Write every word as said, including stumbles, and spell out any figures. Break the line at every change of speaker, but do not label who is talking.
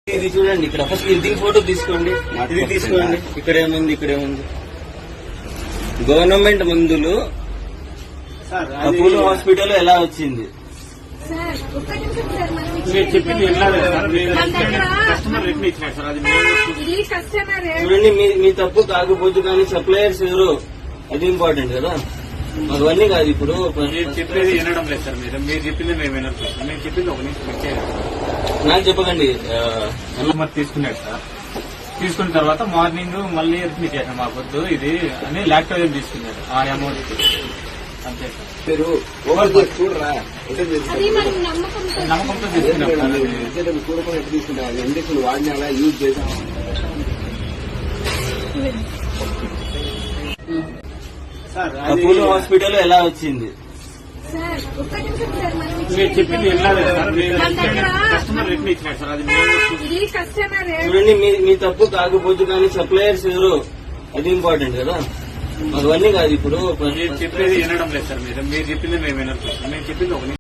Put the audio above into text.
ఇది చూడండి, ఇక్కడ ఫస్ట్ ఇది ఫోటో తీసుకోండి, ఇది తీసుకోండి. ఇక్కడ ఏముంది, ఇక్కడ ఏముంది? గవర్నమెంట్ మందులు అపోలో హాస్పిటల్ ఎలా వచ్చింది?
మీరు చెప్పింది కస్టమర్ రిటర్న్ ఇచ్చినారు సార్. అది
చూడండి, మీ మీ తప్పు కాకపోవచ్చు, కానీ సప్లయర్స్ ఎవరు అది ఇంపార్టెంట్ కదా. మాకు అన్నీ కాదు. ఇప్పుడు
మీరు చెప్పేది వినడం లేదు సార్. మీరు మీరు చెప్పింది మేము వినడం సార్. మేము చెప్పింది ఒక నిమిషం
నాకు చెప్పకండి.
మరి తీసుకున్నాడు సార్. తీసుకున్న తర్వాత మార్నింగ్ మళ్ళీ రిటర్న్ ఇచ్చేసాం. మా పొద్దు ఇది అని లాక్టోజన్ తీసుకున్నాడు. ఆ అమౌంట్ అంతే సార్.
మీరు చూడరా
నమ్మకంతో తీసుకున్నాం.
చూడకుండా ఎట్లా తీసుకుంటారు? ఇంజక్షన్ వాడినా యూజ్ చేసాం.
అపోలో హాస్పిటల్ ఎలా వచ్చింది?
మీరు చెప్పింది కస్టమర్ రిటర్న్ ఇచ్చినాడు సార్. అది
చూడండి, మీ మీ తప్పు కాకపోవచ్చు, కానీ సప్లయర్స్ ఎవరు అది ఇంపార్టెంట్ కదా. మాకు అన్నీ కాదు. ఇప్పుడు
మీరు చెప్పేది వినడం లేదు సార్. మీరు మీరు చెప్పింది మేము వినడం సార్. మేము చెప్పింది ఒక